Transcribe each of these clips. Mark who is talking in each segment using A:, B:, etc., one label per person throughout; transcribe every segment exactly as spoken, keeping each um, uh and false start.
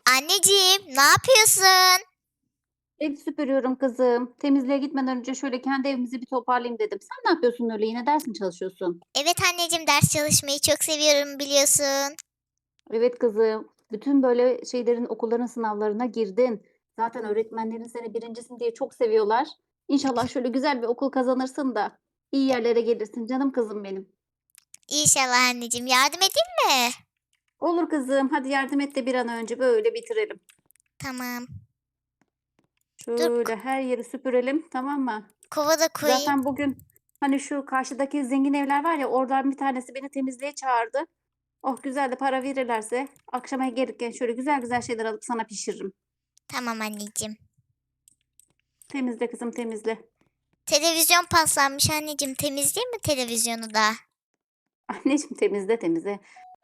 A: Anneciğim, ne yapıyorsun?
B: Ev süpürüyorum kızım. Temizliğe gitmeden önce şöyle kendi evimizi bir toparlayayım dedim. Sen ne yapıyorsun öyle? Yine ders mi çalışıyorsun?
A: Evet anneciğim, ders çalışmayı çok seviyorum biliyorsun.
B: Evet kızım. Bütün böyle şeylerin okulların sınavlarına girdin. Zaten öğretmenlerin seni birincisin diye çok seviyorlar. İnşallah şöyle güzel bir okul kazanırsın da iyi
A: E,
B: yerlere gelirsin canım kızım benim.
A: İnşallah anneciğim, yardım edeyim mi?
B: Olur kızım. Hadi yardım et de bir an önce böyle bitirelim.
A: Tamam. Dur,
B: Şöyle
A: k-
B: her yeri süpürelim, tamam mı?
A: kova da koyayım.
B: Zaten bugün hani şu karşıdaki zengin evler var ya oradan bir tanesi beni temizliğe çağırdı. Oh güzel de para verirlerse akşama gelirken şöyle güzel güzel şeyler alıp sana pişiririm.
A: Tamam anneciğim.
B: Temizle kızım temizle.
A: Televizyon paslanmış anneciğim, temizleyeyim mi televizyonu da?
B: Anneciğim temizle temizle.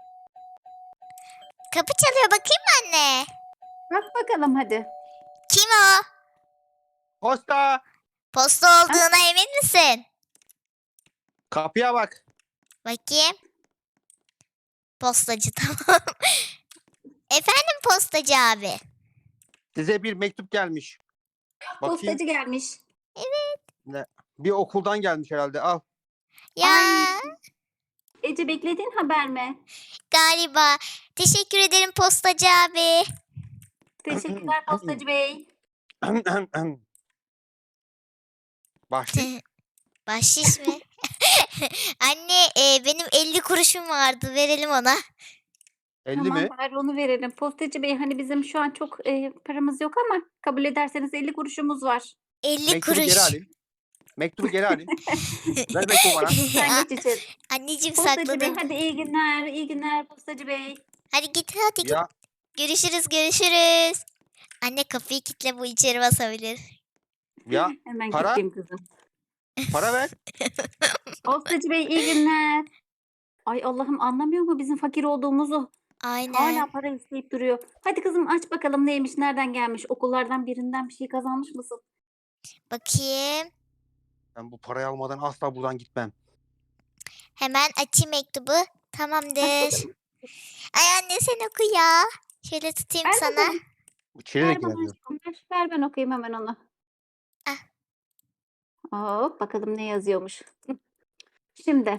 A: Kapı çalıyor, bakayım mı anne?
B: Bak bakalım hadi.
A: Kim o?
C: Posta!
A: Posta
B: Ha?
A: olduğuna emin misin?
C: Kapıya bak.
A: Bakayım. Postacı tamam. Efendim postacı abi.
C: Size bir mektup gelmiş. Bakayım.
B: Postacı gelmiş.
C: Ne? Bir okuldan gelmiş herhalde. Al.
A: Ya
B: Ay Ece beklediğin haber mi?
A: galiba. Teşekkür ederim postacı abi.
B: Teşekkürler postacı bey.
C: Bahşiş.
A: Bahşiş mi? Anne e, benim elli kuruşum vardı, verelim ona.
C: elli
B: Tamam
C: mi?
B: bari onu verelim. Postacı bey hani bizim şu an çok e, paramız yok ama kabul ederseniz elli kuruşumuz var.
A: elli
C: Mektubu geri
A: kuruş.
C: alayım. Mektubu geri alayım. Ver mektubu bana.
B: Kızım sen geç içeri.
A: Anneciğim
B: Postacı bey
A: sakladım.
B: hadi iyi günler, iyi günler postacı bey.
A: Hadi git hadi git.
C: Ya
A: Görüşürüz görüşürüz. Anne kapıyı kilitle, bu içeri basabilir.
C: ya
B: Hemen
C: para
B: gideyim kızım.
C: para ver.
B: Postacı bey iyi günler. Ay Allah'ım anlamıyor mu bizim fakir olduğumuzu?
A: Aynen.
B: Hala para isteyip duruyor. Hadi kızım aç bakalım neymiş, nereden gelmiş? Okullardan birinden bir şey kazanmış mısın?
A: Bakayım.
C: Ben bu parayı almadan asla buradan gitmem.
A: Hemen açayım mektubu.
B: Aç
A: Tamamdır.
B: bakalım.
A: Ay anne sen oku ya. Şöyle tutayım
B: Ver
A: sana.
B: bakalım.
C: Bu çevirerek
B: Ver bana
C: yazıyor.
B: aşkım. Ver, ver ben okuyayım hemen onu.
A: Ah.
B: Hop bakalım ne yazıyormuş. Hı. Şimdi.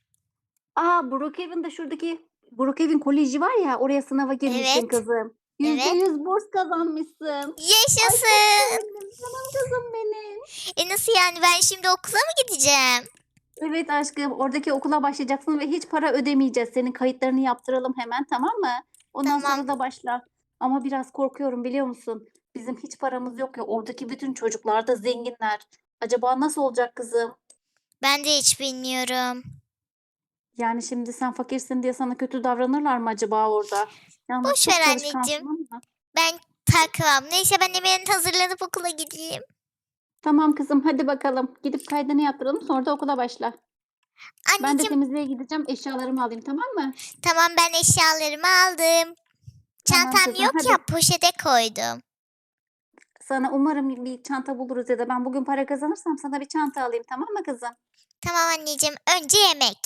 B: Aa Brookhaven'da şuradaki Brookhaven Koleji var ya oraya sınava girmişsin
A: Evet.
B: kızım. Yüzde
A: Evet.
B: yüz burs kazanmışsın. Ay çok
A: Yaşasın.
B: sevindim canım kızım benim.
A: E nasıl yani, ben şimdi okula mı gideceğim?
B: Evet aşkım oradaki okula başlayacaksın ve hiç para ödemeyeceğiz. Senin kayıtlarını yaptıralım hemen tamam mı? Ondan
A: Tamam.
B: sonra da başla. Ama biraz korkuyorum biliyor musun? Bizim hiç paramız yok ya. Oradaki bütün çocuklar da zenginler. Acaba nasıl olacak kızım?
A: Ben de hiç bilmiyorum.
B: Yani şimdi sen fakirsin diye sana kötü davranırlar mı acaba orada? Yalnız
A: Boş ver
B: çok
A: anneciğim.
B: çalışkansın ama.
A: Ben takmam. Neyse ben hemen hazırlanıp okula gideyim.
B: Tamam kızım hadi bakalım. Gidip kaydını yaptıralım sonra da okula başla. Ben de
A: Anneciğim
B: temizliğe gideceğim. Eşyalarımı alayım tamam mı?
A: tamam, ben eşyalarımı aldım.
B: Tamam
A: Çantam
B: kızım
A: yok
B: hadi.
A: ya, poşete koydum.
B: Sana umarım bir çanta buluruz ya da ben bugün para kazanırsam sana bir çanta alayım tamam mı kızım?
A: Tamam anneciğim, önce yemek.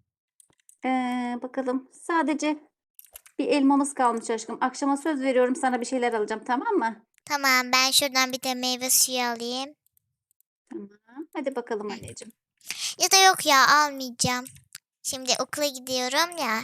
B: Ee, bakalım sadece bir elmamız kalmış aşkım. Akşama söz veriyorum sana bir şeyler alacağım tamam mı?
A: Tamam, ben şuradan bir de meyve suyu alayım.
B: Tamam. Hadi bakalım anneciğim.
A: Ya da yok ya, almayacağım. Şimdi okula gidiyorum ya.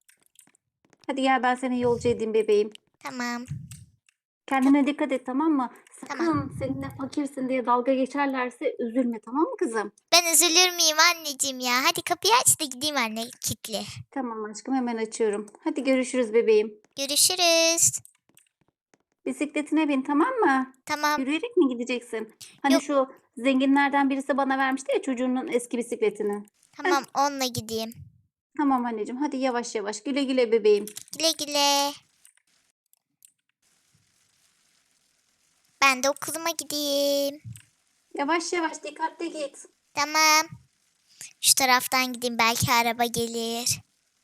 B: Hadi gel ben seni yolcu edeyim bebeğim.
A: Tamam.
B: Kendine dikkat et tamam mı?
A: Tamam.
B: Sakın seninle fakirsin diye dalga geçerlerse üzülme tamam mı kızım?
A: Ben üzülür müyüm anneciğim ya? Hadi kapıyı aç da gideyim anne, kilitli.
B: Tamam aşkım hemen açıyorum. Hadi görüşürüz bebeğim.
A: Görüşürüz.
B: Bisikletine bin tamam mı?
A: Tamam.
B: Yürüyerek mi gideceksin? Hani
A: Yok
B: şu zenginlerden birisi bana vermişti ya çocuğunun eski bisikletini. Heh,
A: tamam, onunla gideyim.
B: tamam anneciğim hadi yavaş yavaş güle güle bebeğim.
A: Güle güle. Ben de okuluma gideyim.
B: Yavaş yavaş dikkatli git.
A: Tamam. Şu taraftan gideyim, belki araba gelir.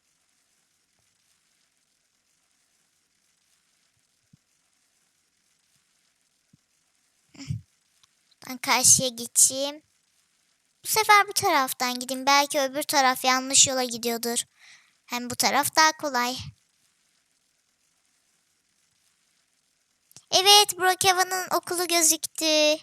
A: Ben karşıya geçeyim. Bu sefer bu taraftan gideyim. Belki öbür taraf yanlış yola gidiyordur. Hem bu taraf daha kolay. Evet, Brookhaven'ın okulu gözüktü.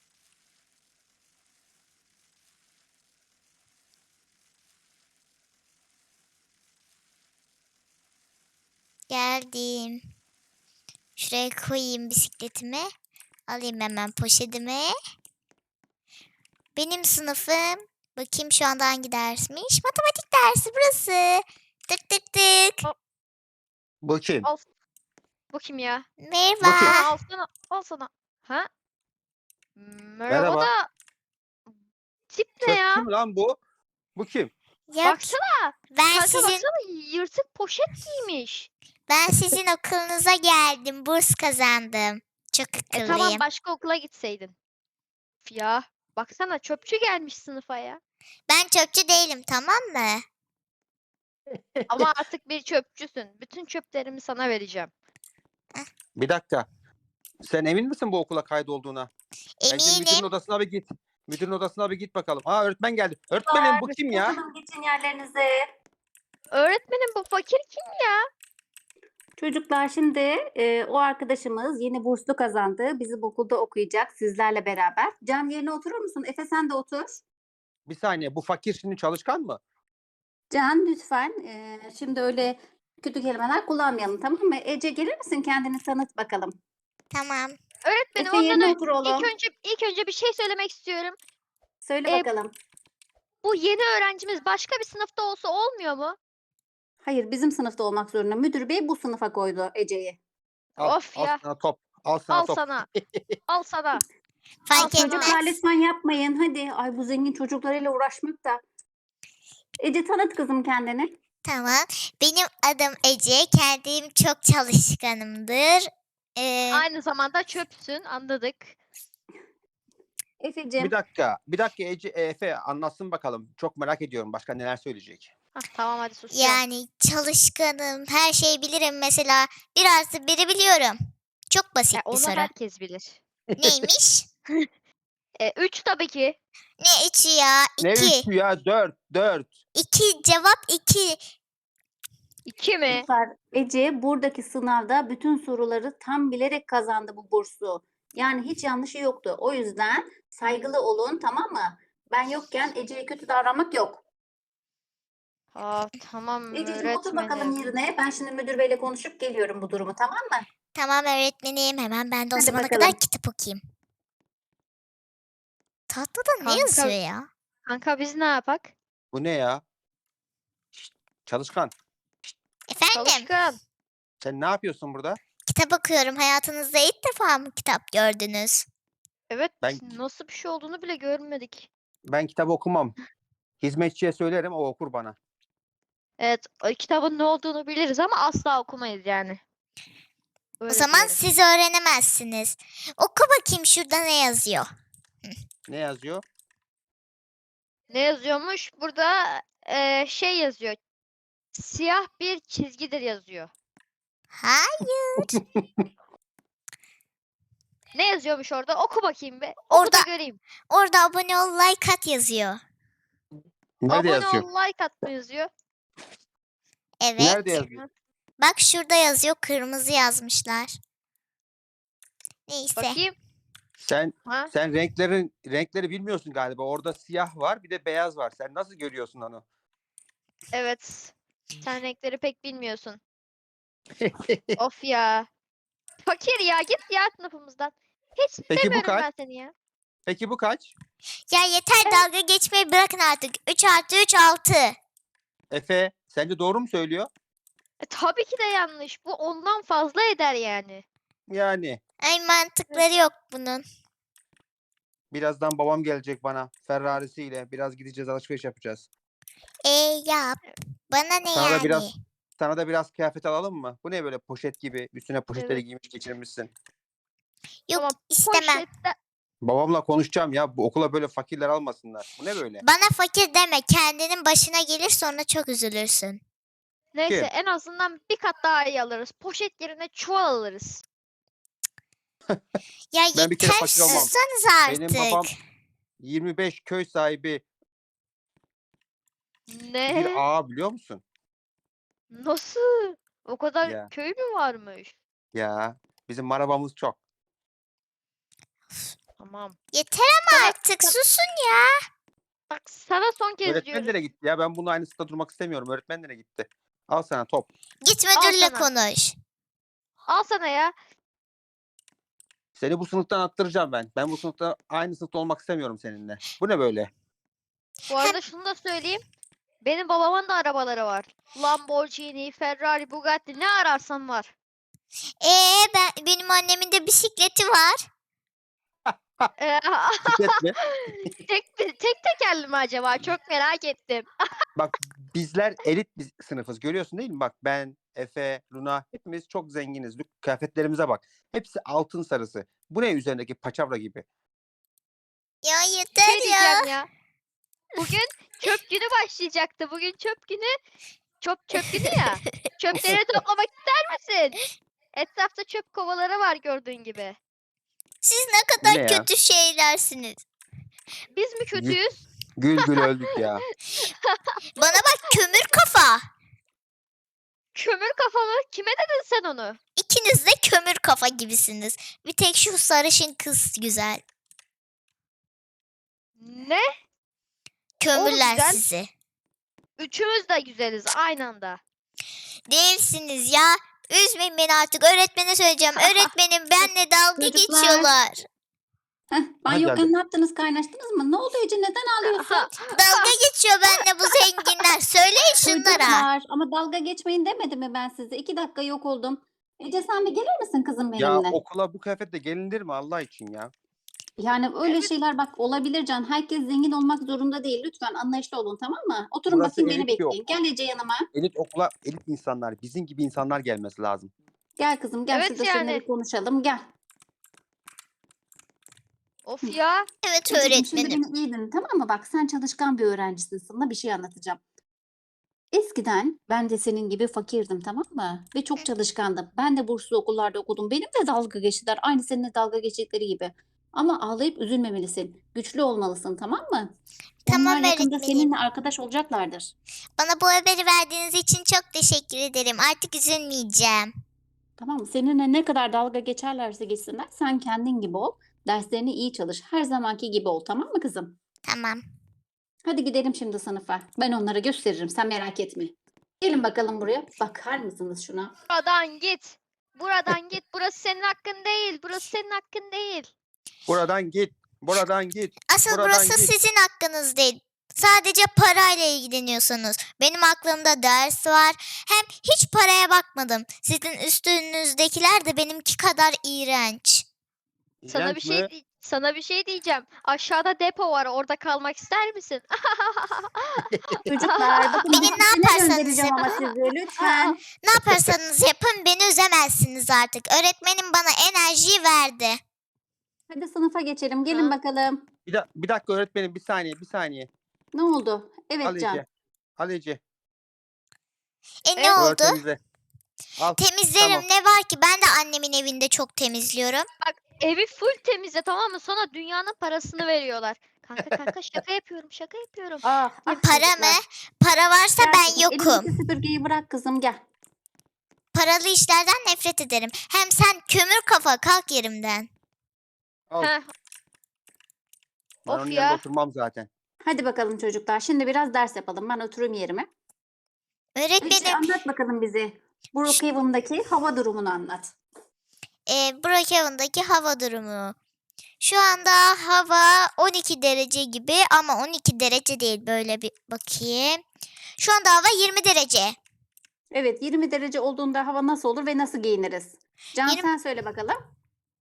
A: Geldim. Şuraya koyayım bisikletimi. Alayım hemen poşetimi. Benim sınıfım. Bakayım şu anda hangi dersmiş? Matematik dersi burası. Tık tık tık.
C: Bu kim?
D: Al. Bu kim ya?
C: Bu kim?
A: Merhaba.
D: Sana al sana. Al sana. Ha? Merhaba
C: Merhaba.
D: da tip ne
C: Çöpçü
D: ya?
C: mü lan bu? Bu kim?
A: Yok,
D: Baksana.
A: ben
D: Kanka
A: sizin
D: baksana yırtık poşet giymiş.
A: ben sizin okulunuza geldim. Burs kazandım. Çok
D: E
A: akıllıyım.
D: tamam başka okula gitseydin. Üf ya. Baksana çöpçü gelmiş sınıfa ya.
A: Ben çöpçü değilim, tamam mı?
D: Ama artık bir çöpçüsün. Bütün çöplerimi sana vereceğim.
C: Bir dakika. Sen emin misin bu okula kaydolduğuna? Bence müdürün
A: Eminim.
C: odasına bir git. Müdürün odasına bir git bakalım. Aa, öğretmen geldi. Öğretmenim bu kim ya?
B: Bakalım geçin yerlerinize.
D: Öğretmenim bu fakir kim ya?
B: Çocuklar şimdi e, o arkadaşımız yeni burslu kazandı. Bizim okulda okuyacak sizlerle beraber. Can yerine oturur musun? Efe sen de otur.
C: Bir saniye, bu fakir şimdi çalışkan mı?
B: Can lütfen e, şimdi öyle kötü kelimeler kullanmayalım, tamam mı? Ece gelir misin, kendini tanıt bakalım.
A: Tamam.
D: Öğretmenim
B: Efe
D: ondan
B: yerine
D: önce
B: otur
D: ilk
B: oğlum.
D: önce ilk önce bir şey söylemek istiyorum.
B: Söyle
D: E,
B: bakalım.
D: Bu yeni öğrencimiz başka bir sınıfta olsa olmuyor mu?
B: Hayır, bizim sınıfta olmak zorunda. Müdür bey bu sınıfa koydu Ece'yi.
C: Al,
D: Of
C: al
D: ya.
C: sana top. Al sana
D: Al
C: top.
D: sana. Al sana.
A: Fark
D: Al sana.
B: Çocuklar
A: etmez.
B: lütfen yapmayın. Hadi. Ay bu zengin çocuklarıyla uğraşmak da. Ece tanıt kızım kendini.
A: Tamam. Benim adım Ece. Kendim çok çalışkanımdır. Ee,
D: Aynı zamanda çöpsün anladık.
B: Efe'cim.
C: Bir dakika. Bir dakika Ece, Efe anlatsın bakalım. Çok merak ediyorum. Başka neler söyleyecek?
D: Hah, tamam hadi susuyorum.
A: yani çalışkanım. Her şeyi bilirim. Mesela bir artı biri biliyorum. Çok basit
D: Ya
A: bir
D: onu
A: soru.
D: herkes bilir.
A: Neymiş?
D: E, üç tabii ki.
A: Ne üçü ya?
C: Ne
A: İki.
C: üçü ya? Dört. Dört.
A: İki. Cevap iki.
D: İki mi?
B: Çocuklar, Ece buradaki sınavda bütün soruları tam bilerek kazandı bu bursu. Yani hiç yanlışı yoktu. O yüzden saygılı olun, tamam mı? Ben yokken Ece'ye kötü davranmak yok.
D: Aa, tamam
B: Ececiğim otur bakalım
D: öğretmenim.
B: yerine. Ben şimdi müdür beyle konuşup geliyorum bu durumu, tamam mı?
A: Tamam öğretmenim. Hemen ben de o
B: Hadi
A: zamana
B: bakalım.
A: kadar kitap okuyayım. Tahtada ne
D: Kanka-
A: yazıyor ya?
D: Kanka biz ne yapak?
C: Bu ne ya? Şşt, çalışkan.
A: Efendim?
D: Çalışkan.
C: Sen ne yapıyorsun burada?
A: Kitap okuyorum. Hayatınızda ilk defa mı kitap gördünüz?
D: Evet
C: Ben-
D: nasıl bir şey olduğunu bile görmedik.
C: Ben kitap okumam. Hizmetçiye söylerim, o okur bana.
D: Evet o kitabın ne olduğunu biliriz ama asla okumayız yani.
A: O
D: Öyle
A: zaman
D: diyelim.
A: siz öğrenemezsiniz. Oku bakayım şurada ne yazıyor.
C: Ne yazıyor?
D: Ne yazıyormuş? Burada e, şey yazıyor. Siyah bir çizgidir yazıyor.
A: Hayır.
D: Ne yazıyormuş orada? Oku bakayım be. Oku
A: Orada-
D: da göreyim.
A: Orada abone ol, like at yazıyor.
C: Nerede
D: Abone
C: yazıyor?
D: ol, like at mı yazıyor?
A: Evet.
C: Nerede yazıyor?
A: Bak şurada yazıyor. Kırmızı yazmışlar. Neyse.
D: Bakayım.
C: Sen
D: Ha?
C: sen renklerin renkleri bilmiyorsun galiba. Orada siyah var, bir de beyaz var. Sen nasıl görüyorsun onu?
D: Evet. Sen renkleri pek bilmiyorsun. Of ya. Fakir ya git ya sınıfımızdan. Hiç
C: Peki bu
D: sevmiyorum
C: kaç?
D: ben seni ya.
C: Peki bu kaç?
A: Ya yeter dalga geçmeyi bırakın artık. üç artı üç altı.
C: Efe, sence doğru mu söylüyor?
D: E, tabii ki de yanlış. Bu ondan fazla eder yani.
C: Yani
A: Ay mantıkları yok bunun.
C: birazdan babam gelecek bana Ferrari'siyle. Biraz gideceğiz, alışveriş yapacağız.
A: E yap. Bana ne
C: Sana da
A: yani?
C: biraz sana da biraz kıyafet alalım mı? Bu ne böyle poşet gibi? Üstüne poşetleri
D: Evet.
C: giymiş geçirmişsin.
A: Yok
D: Ama
A: istemem.
D: Poşette
C: Babamla konuşacağım ya. Bu okula böyle fakirler almasınlar. Bu ne böyle?
A: Bana fakir deme. Kendinin başına gelir sonra çok üzülürsün.
D: neyse
C: Kim?
D: en azından bir kat daha iyi alırız. Poşet yerine çuval alırız.
A: Ya
C: Ben bir kere
A: yeter
C: fakir olmam.
A: sussanız artık.
C: Benim babam yirmi beş köy sahibi
D: Ne?
C: bir ağa, biliyor musun?
D: Nasıl? O kadar
C: Ya.
D: köy mü varmış?
C: Ya Bizim arabamız çok.
D: Tamam.
A: Yeter ama artık susun ya.
D: Bak sana son kez
C: Öğretmen
D: diyorum.
C: nereye gitti ya? Ben bunun aynısında durmak istemiyorum. Öğretmen nereye gitti? Al sana top.
A: Git
D: Al
A: müdürle
D: sana.
A: konuş.
D: Al sana ya.
C: Seni bu sınıftan attıracağım ben. Ben bu sınıfta aynı sınıfta olmak istemiyorum seninle. Bu ne böyle?
D: Bu arada şunu da söyleyeyim. Benim babamın da arabaları var. Lamborghini, Ferrari, Bugatti ne ararsan var.
A: Ee ben benim annemin de bisikleti var.
D: Ee,
C: Bisiklet mi?
D: tek, tek tekerli mi acaba? Çok merak ettim.
C: Bak bizler elit bir sınıfız. Görüyorsun değil mi? Bak ben, Efe, Luna hepimiz çok zenginiz. Kıyafetlerimize bak. Hepsi altın sarısı. Bu ne üzerindeki paçavra gibi?
A: Ya
D: Bir
A: yeter
D: şey
A: ya.
D: diyeceğim ya. Bugün çöp günü başlayacaktı. Bugün çöp günü. Çöp çöp günü ya. Çöpleri toplamak ister misin? Etrafta çöp kovaları var gördüğün gibi.
A: Siz ne
C: Bu
A: kadar
C: ne ya?
A: kötü şeylersiniz.
D: Biz mi kötüyüz?
C: Gül gül öldük ya.
A: Bana bak kömür kafa.
D: Kömür kafalı. Kime dedin sen onu?
A: İkiniz de kömür kafa gibisiniz. Bir tek şu sarışın kız güzel.
D: Ne?
A: Kömürler
D: güzel.
A: sizi.
D: Üçümüz de güzeliz aynı anda.
A: Değilsiniz ya. Üzmeyin beni artık. Öğretmene söyleyeceğim. Öğretmenim benle dalga
B: Çocuklar.
A: geçiyorlar.
B: Heh, ben
C: Aha,
B: yokken
C: geldi.
B: ne yaptınız? Kaynaştınız mı? Ne oldu Ece? Neden ağlıyorsun?
A: Dalga geçiyor benle bu zenginler. Söyleyin şunlara.
B: Çocuklar, ama dalga geçmeyin demedi mi ben size? İki dakika yok oldum. Ece sen bir gelir misin kızım
C: Ya
B: benimle?
C: okula bu kıyafetle gelinir mi Allah için ya?
B: Yani öyle
D: Evet.
B: şeyler bak olabilir Can. Herkes zengin olmak zorunda değil. Lütfen anlayışlı olun, tamam mı? Oturun
C: Burası
B: bakayım, beni
C: elit bir
B: bekleyin.
C: okul.
B: Gel Ece yanıma.
C: Elit okula elit insanlar, bizim gibi insanlar gelmesi lazım.
B: Gel kızım, gel
D: Evet
B: şurada seninle
D: yani.
B: bir konuşalım. Gel.
D: Of ya.
A: Evet
B: Ececiğim, şimdi
A: öğretmenim.
B: beni iyi dinle, tamam mı? Bak sen çalışkan bir öğrencisin. Sana bir şey anlatacağım. Eskiden ben de senin gibi fakirdim, tamam mı? Ve çok çalışkandım. Ben de burslu okullarda okudum. Benim de dalga geçtiler. Aynı seninle dalga geçtikleri gibi. Ama ağlayıp üzülmemelisin. Güçlü olmalısın, tamam mı?
A: Tamam
B: Onlar yakında
A: öğretmenim.
B: seninle arkadaş olacaklardır.
A: Bana bu haberi verdiğiniz için çok teşekkür ederim. Artık üzülmeyeceğim.
B: Tamam mı? Seninle ne kadar dalga geçerlerse geçsinler, sen kendin gibi ol. Derslerini iyi çalış. Her zamanki gibi ol, tamam mı kızım?
A: Tamam.
B: Hadi gidelim şimdi sınıfa. Ben onlara gösteririm. Sen merak etme. Gelin bakalım buraya. Bakar mısınız şuna?
D: Buradan git. Buradan git. Burası senin hakkın değil. Burası senin hakkın değil.
C: Buradan git. Buradan git.
A: Asıl
C: Buradan
A: burası
C: git.
A: sizin hakkınız değil. Sadece parayla ilgileniyorsunuz. Benim aklımda ders var. Hem hiç paraya bakmadım. Sizin üstünüzdekiler de benimki kadar iğrenç.
D: Sana bir
C: İğrenç
D: şey
C: mi?
D: di- sana bir şey diyeceğim. Aşağıda depo var. Orada kalmak ister misin?
B: Çocuklar bakın
A: Beni
B: ben
A: ne
B: seni
A: yaparsanız
B: göndereceğim ama
A: yapın.
B: sizi lütfen.
A: Ne yaparsanız yapın beni üzemezsiniz artık. Öğretmenim bana enerjiyi verdi.
B: Hadi sınıfa geçelim. Gelin
D: Ha.
B: bakalım.
C: Bir, da- bir dakika öğretmenim bir saniye bir saniye.
B: Ne oldu?
C: Al
B: Evet Can.
C: Ece. Al Ece.
A: E ne
D: Evet,
A: oldu?
C: Orada temizle. Al.
A: Temizlerim
C: Tamam.
A: ne var ki? Ben de annemin evinde çok temizliyorum.
D: Evi full temizle, tamam mı? Sonra dünyanın parasını veriyorlar. Kanka kanka şaka yapıyorum. Şaka yapıyorum.
B: Ah, ah
A: Para
B: çocuklar.
A: mı? Para varsa
B: Gel
A: ben
B: kızım,
A: yokum.
B: elindeki süpürgeyi bırak kızım, gel.
A: Paralı işlerden nefret ederim. Hem sen kömür kafa kalk yerimden.
C: Al.
D: Heh,
C: Ben
D: of
C: onun
D: ya.
C: yanında oturmam zaten.
B: Hadi bakalım çocuklar. Şimdi biraz ders yapalım. Ben oturayım yerime. Ece
A: Öğretmenim
B: anlat bakalım bize. Brookhaven'daki hava durumunu anlat.
A: e, Brookhaven'daki hava durumu. Şu anda hava on iki derece gibi ama on iki derece değil, böyle bir bakayım. Şu anda hava yirmi derece.
B: Evet, yirmi derece olduğunda hava nasıl olur ve nasıl giyiniriz? Can
A: Yirmi-
B: sen söyle bakalım.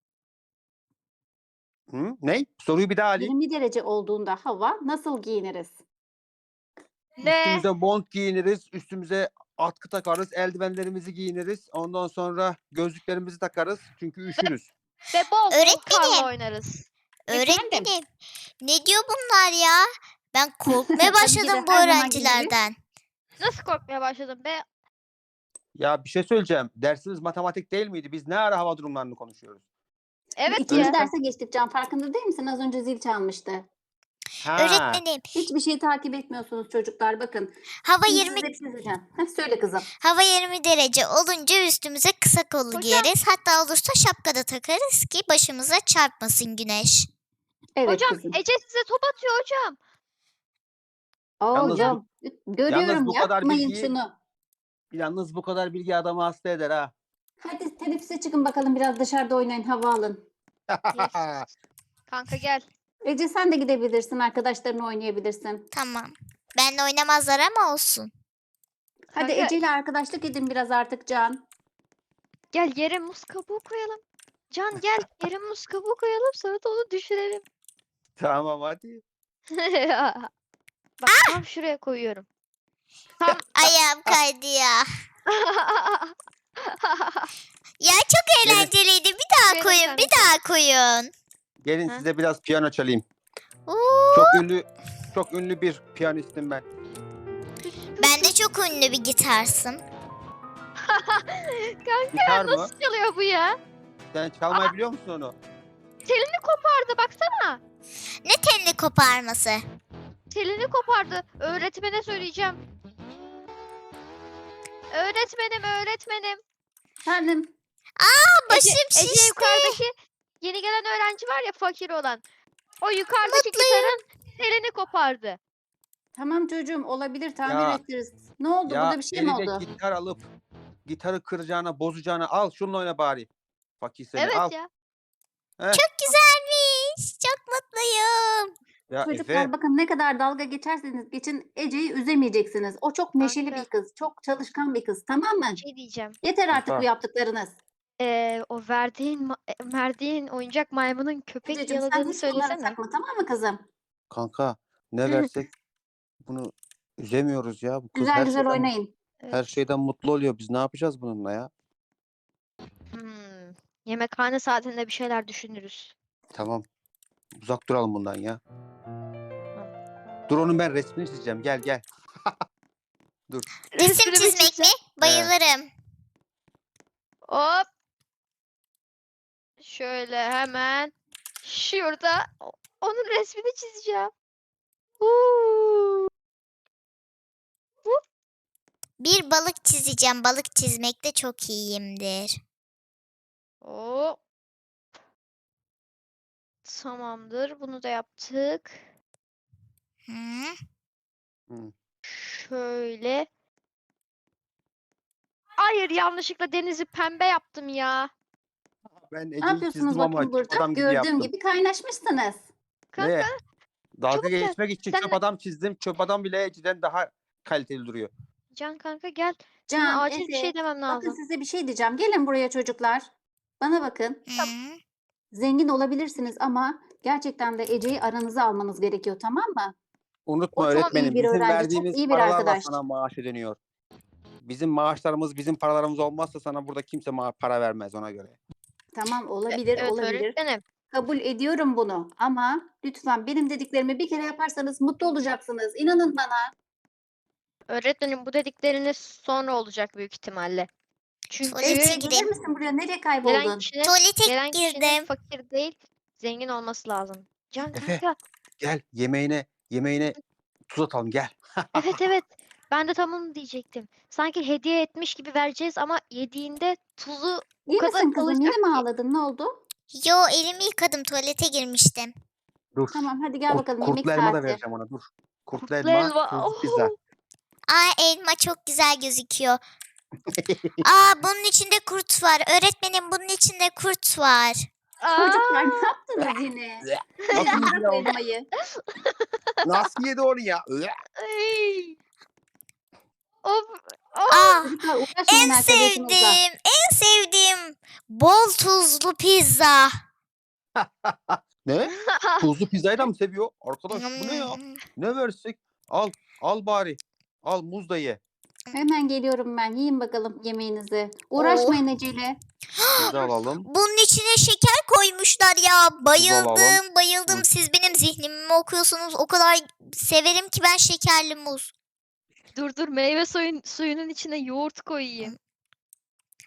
C: Hı? Ne? Soruyu bir daha alayım.
B: yirmi derece olduğunda hava nasıl giyiniriz?
D: Ne?
C: Üstümüze mont giyiniriz. Üstümüze atkı takarız. Eldivenlerimizi giyiniriz. Ondan sonra gözlüklerimizi takarız. Çünkü üşürüz.
D: Ve bol bol
A: Öğretmenim.
D: karla oynarız.
A: Öğretmenim ne diyor bunlar ya? Ben korkmaya
B: Tabii ki de,
A: başladım bu
B: her zamanki gibi.
A: öğrencilerden.
D: Nasıl korkmaya başladım be?
C: Ya bir şey söyleyeceğim. Dersimiz matematik değil miydi? Biz ne ara hava durumlarını konuşuyoruz?
D: Evet
B: İkinci
D: ya.
B: derse geçtik Can. Farkında değil misin? Az önce zil çalmıştı.
C: Ha.
A: Öğretmenim,
B: Hiçbir şey takip etmiyorsunuz çocuklar. Bakın.
A: hava
B: Şimdi
A: yirmi
B: size bir şey söyleyeceğim. Heh, söyle kızım.
A: hava yirmi derece olunca üstümüze kısa kollu
D: Hocam.
A: giyeriz. Hatta olursa şapka da takarız ki başımıza çarpmasın güneş.
B: Evet
D: Hocam
B: kızım.
D: Ece size top atıyor hocam.
B: Aa,
C: Yalnız bu-
B: hocam. Görüyorum,
C: bu kadar
B: yapmayın
C: bilgiyi-
B: şunu.
C: Yalnız bu kadar bilgi adamı hasta eder ha.
B: Hadi teneffüse çıkın bakalım, biraz dışarıda oynayın, hava alın.
D: Yes. Kanka gel.
B: Ece sen de gidebilirsin, arkadaşlarınla oynayabilirsin.
A: Tamam. Benle oynamazlar ama olsun.
B: Hadi
D: Kanka-
B: Ece ile arkadaşlık edin biraz artık Can.
D: Gel yere muz kabuğu koyalım. Can gel yere muz kabuğu koyalım sonra da onu düşürelim.
C: Tamam hadi.
D: Bak tam şuraya koyuyorum. Tam
A: Ayağım kaydı ya. Ya çok
C: Gelin.
A: eğlenceliydi. Bir daha
D: Verin
A: koyun,
D: sen
A: bir
D: de.
A: daha koyun.
C: Gelin
D: Ha?
C: size biraz piyano çalayım.
A: Oo,
C: Çok ünlü çok ünlü bir piyanistim ben.
A: ben de çok ünlü bir gitarsım.
D: Kanka
C: Gitar mı?
D: nasıl çalıyor bu ya?
C: Sen çalmayı biliyor musun onu?
D: Telini kopardı baksana.
A: Ne telli koparması.
D: Telini kopardı. Öğretmene söyleyeceğim. Öğretmenim öğretmenim.
B: Efendim.
A: Başım
D: Ece, Ece
A: şişti.
D: yukarıdaki yeni gelen öğrenci var ya fakir olan. O yukarıdaki
A: Mutluyum.
D: gitarın telini kopardı.
B: Tamam çocuğum, olabilir, tamir
C: Ya-
B: ederiz. Ne oldu,
C: Ya
B: burada bir şey mi
C: eline
B: oldu?
C: gitar alıp gitarı kıracağına, bozacağına al şununla oyna bari. Fakir seni
D: Evet
C: al.
D: ya.
A: Çok güzelmiş. Çok mutluyum.
C: Ya
B: Çocuklar
C: Efe,
B: bakın, ne kadar dalga geçerseniz geçin Ece'yi üzemeyeceksiniz. O çok neşeli
D: Kanka.
B: bir kız, çok çalışkan bir kız, tamam mı?
D: Bir şey diyeceğim.
B: Yeter artık
C: Kanka.
B: bu yaptıklarınız.
D: Ee, o verdiğin ma- e, verdiğin oyuncak maymunun köpek
B: Ececiğim sen
D: yaladığını
B: hiç bunları
D: söylesene.
B: takma, tamam mı kızım?
C: kanka ne versek bunu üzemiyoruz ya. Bu kız
B: Güzel
C: her
B: güzel
C: şeyden,
B: oynayın.
C: her şeyden mutlu oluyor. Biz ne yapacağız bununla ya?
D: Hmm. Yemekhane saatinde bir şeyler düşünürüz.
C: Tamam. Uzak duralım bundan ya. Dur onun ben resmini çizeceğim. Gel gel.
A: Resim
D: Resmini
A: çizmek mi?
D: çizeceğim.
A: Bayılırım.
D: Hop. Şöyle hemen şurada o- onun resmini çizeceğim. Huu.
A: Bir balık çizeceğim. Balık çizmekte çok iyiyimdir.
D: Hop. Tamamdır. Bunu da yaptık.
A: Hı?
D: Şöyle. Hayır, yanlışlıkla denizi pembe yaptım ya.
C: Ben
B: Ne
C: Ece'yi
B: yapıyorsunuz
C: çizdim ama
B: bakın
C: çöp
B: burada?
C: adam gibi
B: Gördüğüm
C: yaptım.
B: gibi kaynaşmışsınız.
D: Kanka
C: Ne? Dalga
D: çabuk gel.
C: geçmek için
D: Sen
C: çöp
D: de-
C: adam çizdim. Çöp adam bile Ece'den daha kaliteli duruyor.
D: Can kanka gel. Sana
B: Can,
D: acil bir
B: Efe,
D: şey demem
B: bakın
D: lazım.
B: size bir şey diyeceğim. Gelin buraya çocuklar. Bana bakın.
A: Hı?
B: Zengin olabilirsiniz ama gerçekten de Ece'yi aranıza almanız gerekiyor, tamam mı?
C: Unutma
B: O çok iyi
C: öğretmenim.
B: bir
C: Bizim
B: öğrenci, çok
C: verdiğimiz
B: iyi bir
C: paralarla
B: arkadaş.
C: sana maaş ödeniyor. Bizim maaşlarımız, bizim paralarımız olmazsa sana burada kimse ma- para vermez ona göre.
B: Tamam, olabilir,
D: Evet
B: olabilir.
D: öğretmenim.
B: Kabul ediyorum bunu ama lütfen benim dediklerimi bir kere yaparsanız mutlu olacaksınız. İnanın bana.
D: Öğretmenim bu dedikleriniz sonra olacak büyük ihtimalle. Çünkü
A: Tuvalete
B: Ece,
A: gireyim.
B: gelir misin buraya? Nereye
D: gelen
B: kayboldun?
D: kişinin,
A: Tuvalete
D: gelen kişinin
A: girdim.
D: fakir değil, zengin olması lazım. Can
C: Efe.
D: kanka.
C: Gel yemeğine, yemeğine tuz atalım gel.
D: Evet evet. Ben de tam onu diyecektim. Sanki hediye etmiş gibi vereceğiz ama yediğinde tuzu
B: İyi
D: kadar
B: misin kızım? Yine
D: kalacak
B: mi
D: ki.
B: ağladın? Ne oldu?
A: Yo, elimi yıkadım. Tuvalete girmiştim.
C: Dur.
B: Tamam, hadi gel
C: Kurt-
B: bakalım, yemek
C: kurtlu elma da
B: saati.
C: vereceğim ona dur. Kurtlu,
D: Kurtlu
C: elma,
D: elma,
C: tuzlu pizza.
D: oh.
A: Aa, elma çok güzel gözüküyor. Aa, bunun içinde kurt var. Öğretmenim, bunun içinde kurt var.
B: Çocuklar
D: Aa,
B: ne yaptınız yine?
C: Nasıl
B: Bırak
C: yedi
B: bu
C: onu?
B: elmayı.
C: Nasıl yedi onu ya?
D: ay. Of, of.
A: Aa,
B: Çocuklar uğraşmayın
A: en
B: arkadaşınızla.
A: sevdiğim, en sevdiğim bol tuzlu pizza.
C: Ne? Tuzlu pizzayı da mı seviyor? Arkadaş bu ne ya?
A: Hmm.
C: Ne versek? Al, al bari. Al muz da ye.
B: Hemen geliyorum ben. Yiyin bakalım yemeğinizi. Uğraşmayın Ece'yle.
C: Pizza alalım.
A: Bunun içine şeker koymuşlar ya.
C: alalım.
A: Bayıldım, bayıldım.
C: Hı.
A: Siz benim zihnimi mi okuyorsunuz? O kadar severim ki ben şekerli muz.
D: Dur dur meyve suyun, suyunun içine yoğurt koyayım.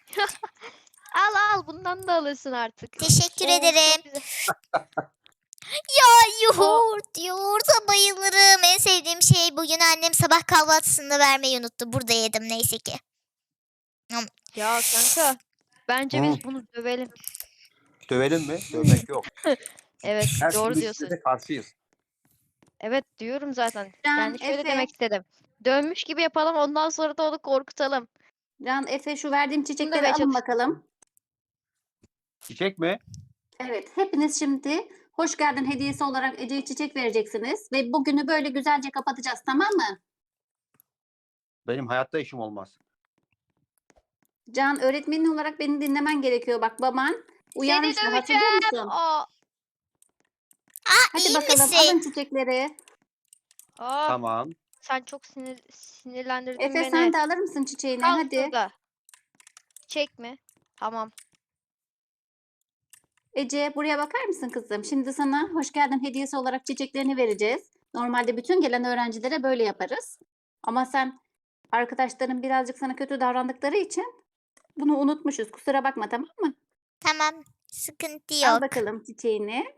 D: Al al bundan da alırsın artık.
A: Teşekkür
D: Oo, çok
A: ederim.
D: güzel.
A: Ya yoğurt, yoğurta bayılırım. En sevdiğim şey bugün annem sabah kahvaltısında vermeyi unuttu. Burada yedim neyse ki.
D: Ya kanka. Bence
C: Hı.
D: biz bunu dövelim.
C: Dövelim mi? Dövmek yok.
D: Evet
C: Her
D: doğru
C: türlü
D: diyorsun.
C: şiddete karşıyız.
D: Evet diyorum zaten.
B: Can,
D: Yani şöyle
B: Efe.
D: demek istedim. Dönmüş gibi yapalım ondan sonra da onu korkutalım.
B: Can, Efe şu verdiğim çiçekleri
D: demeye
B: alın
D: çalıştım.
B: bakalım.
C: Çiçek mi?
B: Evet, hepiniz şimdi hoş geldin hediyesi olarak Ece'ye çiçek vereceksiniz ve bugünü böyle güzelce kapatacağız, tamam mı?
C: Benim hayatta işim olmaz.
B: Can, öğretmenin olarak beni dinlemen gerekiyor. Bak baban uyarmıştı,
D: Seni
B: hatırlıyor
D: döveceğim.
B: musun?
D: Aa,
A: Aa,
B: Hadi
A: iyi
B: bakalım
A: misin?
B: alın çiçekleri.
D: aa,
C: Tamam.
D: sen çok sinir sinirlendirdin
B: Efe
D: beni.
B: sen de alır mısın çiçeğini?
D: Kal
B: Hadi.
D: şurada. Çek mi? Tamam.
B: Ece buraya bakar mısın kızım? Şimdi sana hoş geldin hediyesi olarak çiçeklerini vereceğiz. Normalde bütün gelen öğrencilere böyle yaparız. Ama sen arkadaşların birazcık sana kötü davrandıkları için bunu unutmuşuz. Kusura bakma, tamam mı?
A: Tamam, sıkıntı
B: Al
A: yok.
B: bakalım çiçeğini.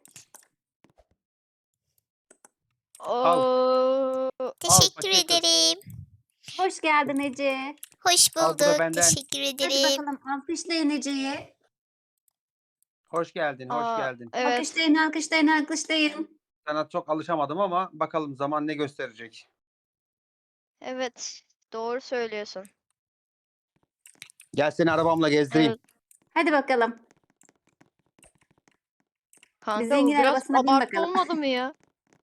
D: Oo,
A: Teşekkür
C: paşa kız.
A: ederim.
B: Hoş geldin Ece.
A: Hoş
C: Al, bu da
A: bulduk.
C: benden.
A: Teşekkür
B: Hadi
A: ederim.
B: bakalım alkışlayın Ece'yi.
C: Hoş geldin, hoş
D: aa,
C: geldin.
D: evet.
B: Alkışlayın, alkışlayın, alkışlayın.
C: Sana çok alışamadım ama bakalım zaman ne gösterecek.
D: Evet. Doğru söylüyorsun.
C: Gel seni arabamla gezdireyim.
D: Evet.
B: Hadi bakalım.
D: Kanka bu
B: zengin
D: biraz
B: arabasına bin
D: abartı
B: bakalım.
D: olmadı mı ya?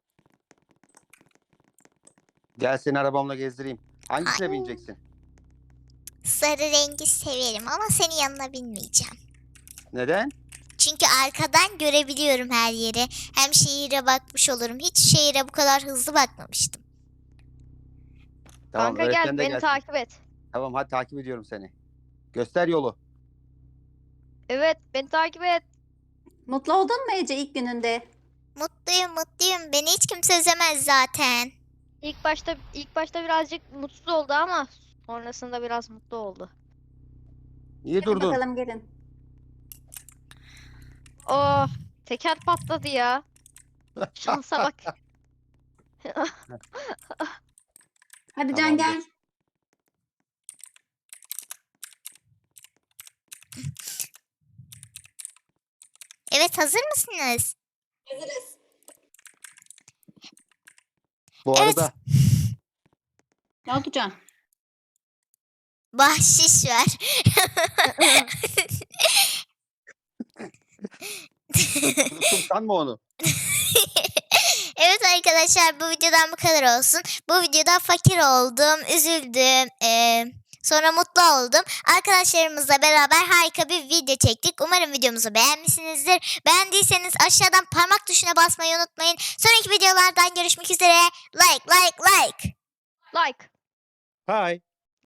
C: Gel seni arabamla gezdireyim. Hangisine
A: Ay.
C: bineceksin?
A: Sarı rengi severim ama senin yanına binmeyeceğim.
C: Neden?
A: Çünkü arkadan görebiliyorum her yeri. Hem şehire bakmış olurum. Hiç şehire bu kadar hızlı bakmamıştım.
C: Tamam,
D: Kanka
C: öğretmen
D: gel
C: de
D: beni
C: gelsin.
D: takip et.
C: Tamam, hadi takip ediyorum seni. Göster yolu.
D: Evet beni takip et.
B: Mutlu oldun mu Ece ilk gününde?
A: Mutluyum mutluyum. Beni hiç kimse üzemez zaten.
D: İlk başta ilk başta birazcık mutsuz oldu ama sonrasında biraz mutlu oldu.
C: Niye
B: Hadi
C: durdun?
B: bakalım gelin.
D: Oh, teker patladı ya. Şansa bak.
B: Hadi Can
C: Tamamdır.
B: gel.
A: Evet, hazır mısınız?
B: Hazırız.
C: Bu
A: Evet.
C: arada
B: Ne oldu Can?
A: Bahşiş ver.
C: unuttum sanma onu.
A: Evet arkadaşlar, bu videodan bu kadar olsun. Bu videoda fakir oldum, üzüldüm, eee, sonra mutlu oldum. Arkadaşlarımızla beraber harika bir video çektik. Umarım videomuzu beğenmişsinizdir. Beğendiyseniz aşağıdan parmak tuşuna basmayı unutmayın. Sonraki videolardan görüşmek üzere. Like like like.
D: Like.
C: Hi.